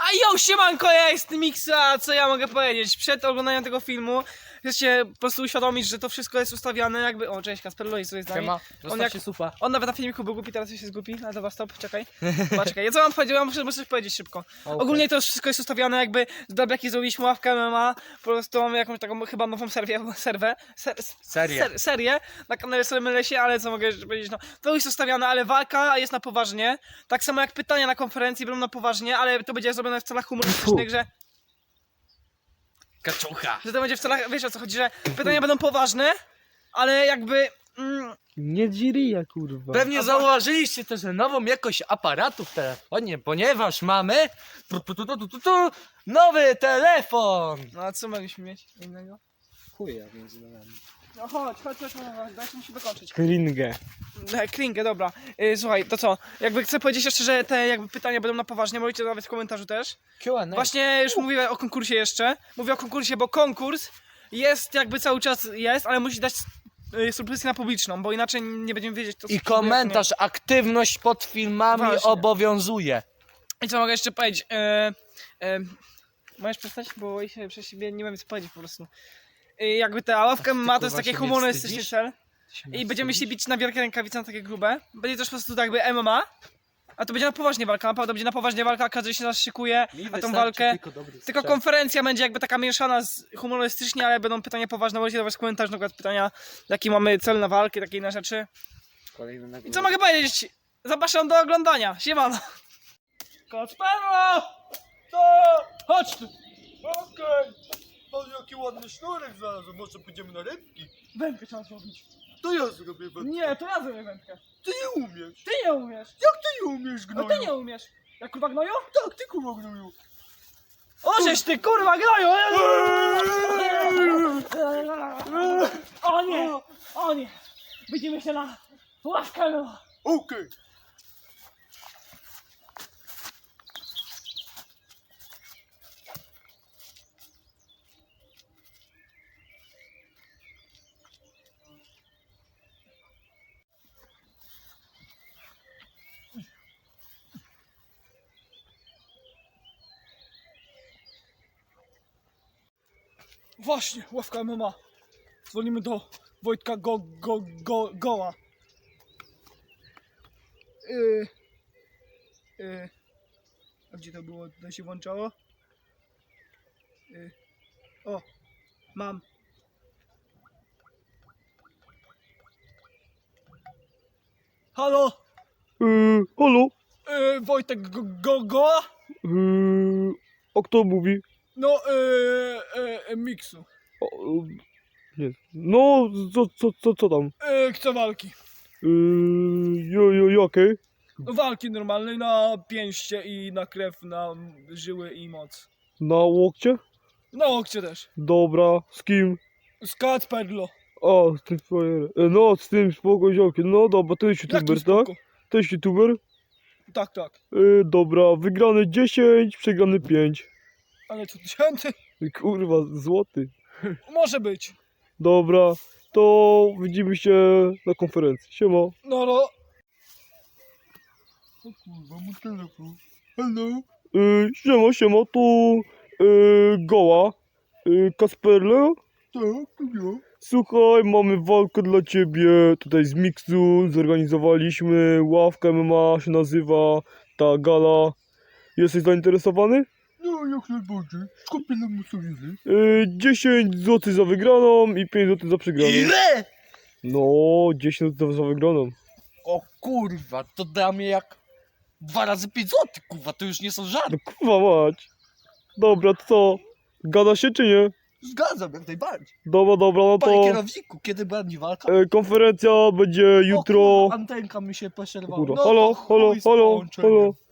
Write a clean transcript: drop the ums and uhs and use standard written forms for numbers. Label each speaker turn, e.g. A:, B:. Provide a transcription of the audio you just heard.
A: A siemanko, ja jestem Mixa, co ja mogę powiedzieć? Przed oglądaniem tego filmu chcecie po prostu uświadomić, że to wszystko jest ustawiane jakby... O, cześć, Kasper Lois, co jest z nami. On nawet na filmiku był głupi, teraz już jest głupi, ale dobra, stop, czekaj. Czekaj, ja co mam powiedzieć? Ja muszę coś powiedzieć szybko. Okay. Ogólnie to wszystko jest ustawiane jakby, z Dablaki zrobiliśmy ławkę MMA, po prostu mamy jakąś taką chyba nową serię na kanale Solemy Lesie, ale co mogę powiedzieć, no to jest ustawiane, ale walka jest na poważnie, tak samo jak pytania na konferencji będą na poważnie, ale to będzie zrobione w celach humorystycznych, że...
B: Kaczucha.
A: Że to będzie w celach, wiesz o co chodzi, że pytania będą poważne, ale jakby...
C: Nie dziria, kurwa.
B: Pewnie zauważyliście też nową jakość aparatu w telefonie, ponieważ mamy nowy telefon.
A: No a co mogliśmy mieć innego?
C: Chuja między nami.
A: No chodź, dajcie mi się dokończyć.
C: Kringę.
A: Kringę, dobra. Słuchaj, to co? Jakby chcę powiedzieć jeszcze, że te jakby pytania będą na poważnie, możecie nawet w komentarzu też.
B: Q&A.
A: Właśnie już mówię o konkursie jeszcze. Mówię o konkursie, bo konkurs jest jakby cały czas jest, ale musi dać subskrypcję na publiczną, bo inaczej nie będziemy wiedzieć to.
B: I komentarz, aktywność pod filmami
A: Właśnie.
B: obowiązuje.
A: I co mogę jeszcze powiedzieć? Możesz przestać, bo się przez siebie nie wiem co powiedzieć po prostu. Jakby ta ławka ma to jest taki humorystyczny cel. I będziemy się bić na wielkie rękawice, na takie grube. Będzie też po prostu tak jakby MMA. A to będzie na poważnie walka, naprawdę będzie na poważnie walka, każdy się zaszykuje na tą walkę. Tylko konferencja będzie jakby taka mieszana humorystycznie, ale będą pytania poważne, możecie dawać komentarz, na przykład pytania, jaki mamy cel na walkę, takie inne rzeczy. I co mogę powiedzieć? Zapraszam do oglądania, siemano! Kacperlo! To! Chodź tu!
D: Okej, mam jaki ładny sznurek znalazłem, może pójdziemy na rybki?
A: Wędkę trzeba zrobić.
D: To ja zrobię wędkę.
A: Nie, to ja zrobię wędkę.
D: Ty nie umiesz.
A: Ty nie umiesz.
D: Jak ty nie umiesz,
A: No
D: gnoju?
A: ty nie umiesz. Jak kurwa gnoju?
D: Tak, ty kurwa gnoju.
A: Ożeś ty kurwa gnoju! O nie! O nie! Widzimy się na ławkę no!
D: Okej.
A: Właśnie, ławka MMA. Dzwonimy do Wojtka Goła. A gdzie to było? To się włączało? O, mam. Halo?
C: Halo?
A: Wojtek Goła?
C: A kto mówi?
A: No, Miksu.
C: O, nie. No, co tam?
A: Chcę walki.
C: Jakie?
A: Walki normalnej na pięście i na krew, na żyły i moc.
C: Na łokcie?
A: Na łokcie też.
C: Dobra, z kim?
A: Z Kacperlo.
C: A, z tym frajerem. No, z tym spoko ziomkiem. No dobra, to jest youtuber, tak?
A: spoko?
C: To jest youtuber?
A: Tak, tak.
C: Dobra, wygrany 10, przegrany 5.
A: Ale co tysięcy?
C: Kurwa, złoty.
A: Może być.
C: Dobra, to widzimy się na konferencji. Siema.
A: No.
D: O kurwa, mój telefon. Hello?
C: Siema, to Goła. Kasperle?
D: Tak, to ja.
C: Słuchaj, mamy walkę dla ciebie. Tutaj z Mixu zorganizowaliśmy. Ławka MMA się nazywa. Ta gala. Jesteś zainteresowany?
D: No, jak najbardziej. Skupię na musowizy.
C: 10 zł za wygraną i 5 zł za przegraną.
B: Ile?
C: No, 10 zł za wygraną.
B: O kurwa, to da mnie jak 2 razy 5 zł, kurwa, to już nie są żarty.
C: No kurwa mać. Dobra, to co? Gada się czy nie?
B: Zgadzam, jak najbardziej.
C: Dobra, no
B: Panie
C: to
B: kierowniku, kiedy będzie walka?
C: konferencja będzie jutro.
B: O, kurwa, antenka mi się
C: O
B: poszerwała.
C: kurwa,
B: No
C: halo,
B: to chuj z połączeniem.
C: halo.